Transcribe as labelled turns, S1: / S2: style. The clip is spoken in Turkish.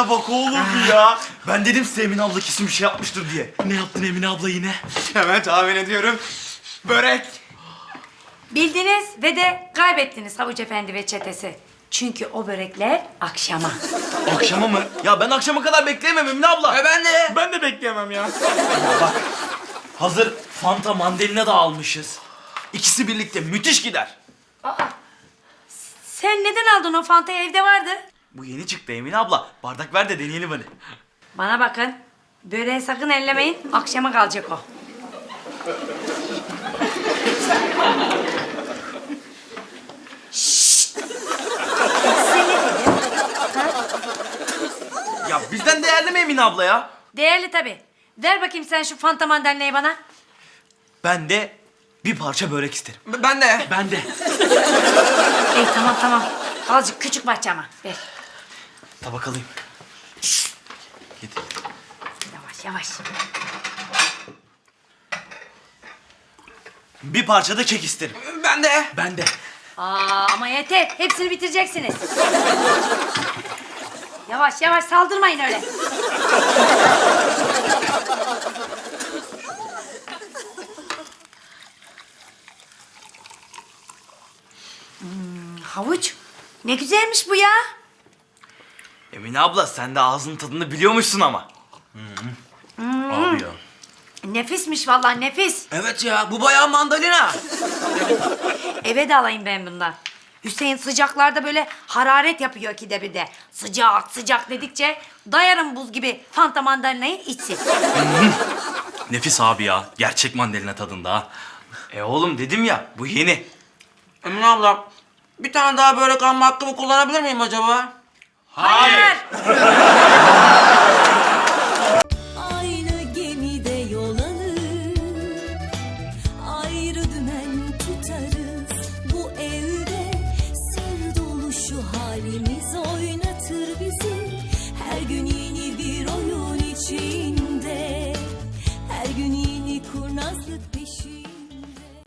S1: Tiplere bak oğlum ya. Ben dedim size Emine abla kesin bir şey yapmıştır diye.
S2: Ne yaptın Emine abla yine?
S3: Hemen tahmin ediyorum. Börek.
S4: Bildiniz ve de kaybettiniz Havuç Efendi ve çetesi. Çünkü o börekler akşama.
S1: Akşama mı? Ya ben akşama kadar bekleyemem Emine abla.
S3: Ben de.
S2: Ben de bekleyemem ya.
S1: Ya bak, hazır Fanta mandalina da almışız. İkisi birlikte müthiş gider.
S4: Sen neden aldın o fantayı, evde vardı?
S1: Bu yeni çıktı Emine abla. Bardak ver de deneyelim hadi.
S4: Bana bakın. Böreği sakın ellemeyin. Akşama kalacak o. Şşt! Size ne dedim?
S1: Ya bizden değerli mi Emine abla ya?
S4: Değerli tabii. Ver bakayım sen şu fanta mandalinayı bana.
S1: Ben de bir parça börek isterim.
S3: Ben de.
S1: Ben de.
S4: Ey tamam tamam. Azıcık küçük bahçe ama. Ver.
S1: Tabak alayım. Getir.
S4: Yavaş yavaş.
S1: Bir parça da kek isterim.
S3: Ben de.
S1: Ben de.
S4: Ama yeter. Hepsini bitireceksiniz. Yavaş yavaş saldırmayın öyle. Havuç. Ne güzelmiş bu ya.
S1: Emine abla sen de ağzının tadını biliyormuşsun ama. Abi ya.
S4: Nefismiş vallahi nefis.
S3: Evet ya, bu bayağı mandalina.
S4: Eve de alayım ben bundan. Hüseyin sıcaklarda böyle hararet yapıyor ikide bir de. Sıcak sıcak dedikçe dayarım buz gibi fanta mandalinayı içsin.
S2: Nefis abi ya. Gerçek mandalina tadında ha.
S1: Oğlum dedim ya bu yeni.
S3: Emine abla, bir tane daha börek alma hakkımı kullanabilir miyim acaba?
S4: Hayır.